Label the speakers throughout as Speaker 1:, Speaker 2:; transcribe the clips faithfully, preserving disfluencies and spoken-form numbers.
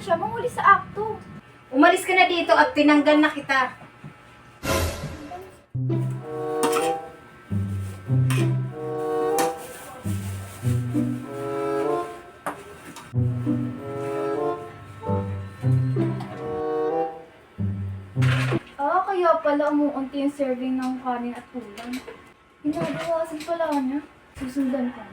Speaker 1: siya manghuli sa akto.
Speaker 2: Umalis ka na dito at tinanggal na kita.
Speaker 1: Ah, kaya pala umuunti yung serving ng kanin at ulam. Ginagawasan pala niya. Susundan ko.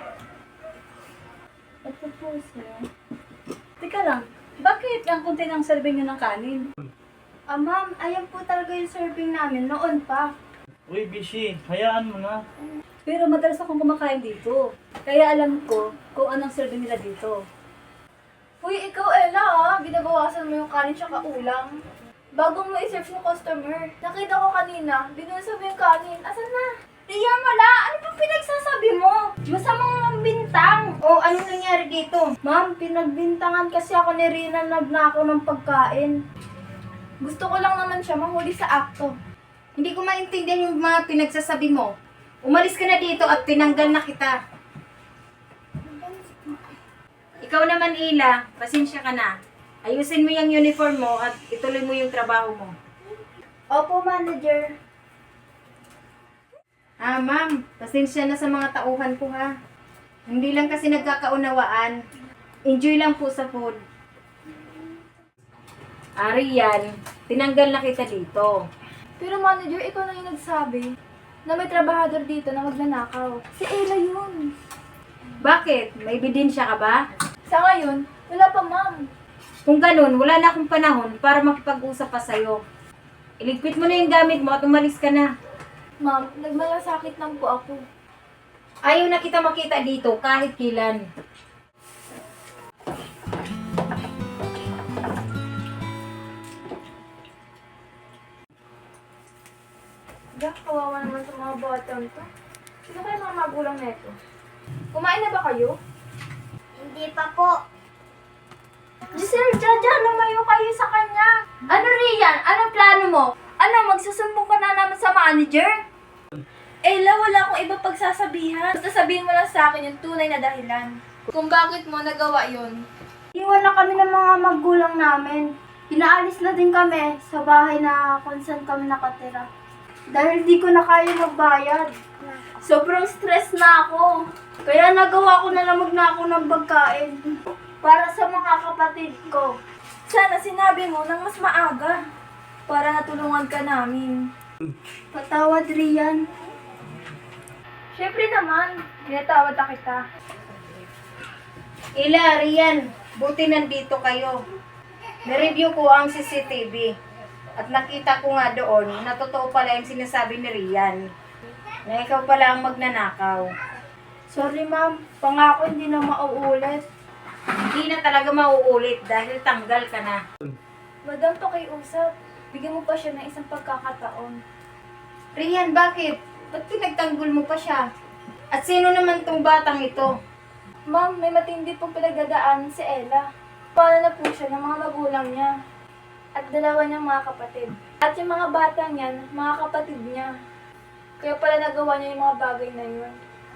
Speaker 1: Ito po siya.
Speaker 3: Teka lang, bakit ang kunti ng serving nyo ng kanin?
Speaker 1: Ah, ma'am, ayan po talaga yung serving namin noon pa.
Speaker 4: Uy, Bishi, hayaan mo na.
Speaker 3: Pero madalas akong kumakain dito. Kaya alam ko kung anong serving nila dito.
Speaker 1: Uy, ikaw, Ella, ah. Binabawasan mo yung kanin tsaka ulam. Bago mo i-serve yung customer. Nakita ko kanina, binusa mo yung kanin. Asan na? Riyan, wala. Ano bang pinagsasabi mo? Masamang bintang.
Speaker 2: O, ano nangyari dito?
Speaker 1: Ma'am, pinagbintangan kasi ako ni Rina nagnakaw ng pagkain. Gusto ko lang naman siya mahuli sa akto.
Speaker 2: Hindi ko maintindihan yung mga pinagsasabi mo. Umalis ka na dito at tinanggal na kita. Ikaw naman, Ila, pasensya ka na. Ayusin mo yung uniform mo at ituloy mo yung trabaho mo.
Speaker 1: Opo, manager.
Speaker 2: Ah, ma'am, pasensya na sa mga tauhan ko ha. Hindi lang kasi nagkakaunawaan. Enjoy lang po sa food. Ari yan, tinanggal na kita dito.
Speaker 1: Pero manager, ikaw na yung nagsabi na may trabahador dito na magnanakaw. Si Ella yun.
Speaker 2: Bakit? May ebidensya ka ba?
Speaker 1: Sa ngayon, wala pa, ma'am.
Speaker 2: Kung ganun, wala na akong panahon para makipag-usap pa sa'yo. Iligpit mo na yung gamit mo at umalis ka na.
Speaker 1: Ma'am, nagmalasakit lang po ako.
Speaker 2: Ayaw na kita makita dito kahit kilan.
Speaker 1: Gak, kawawa naman sa mga batang to. Sino kayo mga magulang neto? Kumain na ba kayo?
Speaker 5: Hindi pa po.
Speaker 1: Giselle, Jaja, lumayo kayo sa kanya. Ano, Rian? Anong plano mo? Ano, magsusumbong ka na naman sa manager? Ella, wala akong iba pagsasabihan. Basta sabihin mo lang sa akin yung tunay na dahilan. Kung bakit mo nagawa yun. Iwan na kami ng mga magulang namin. Pinaalis na din kami sa bahay na kung saan kami nakatira. Dahil di ko na kaya magbayad. Sobrang stress na ako. Kaya nagawa ko na lang magnakaw ng pagkain. Para sa mga kapatid ko. Sana sinabi mo nang mas maaga. Para natulungan ka namin. Patawad, Rian. Siyempre naman, pinatawad na kita.
Speaker 2: Ila, Rian, buti nandito kayo. Na-review ko ang C C T V. At nakita ko nga doon na totoo pala yung sinasabi ni Rian. Na ikaw pala ang magnanakaw.
Speaker 1: Sorry, ma'am. Pangako hindi na mauulit.
Speaker 2: Hindi na talaga mauulit dahil tanggal ka na.
Speaker 1: Madam, pakiusap. Bigyan mo pa siya ng isang pagkakataon.
Speaker 2: Rian, bakit? Ba't pinagtanggol mo pa siya? At sino naman tong batang ito?
Speaker 1: Ma'am, may matindi pong pinagdadaan si Ella. Paano na po siya ng mga magulang niya. At dalawa niyang mga kapatid. At yung mga batang yan, mga kapatid niya. Kaya pala nagawa niya yung mga bagay na yun.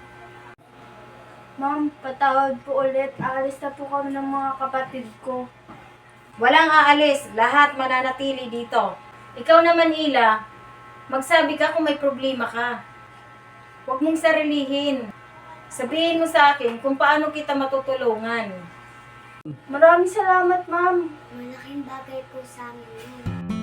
Speaker 1: Ma'am, patawad po ulit. Aalis na po kami ng mga kapatid ko.
Speaker 2: Walang aalis, lahat mananatili dito. Ikaw naman, Ila, magsabi ka kung may problema ka. Huwag mong sarilihin. Sabihin mo sa akin kung paano kita matutulungan.
Speaker 1: Maraming salamat, ma'am.
Speaker 5: Malaking bagay po sa amin yun.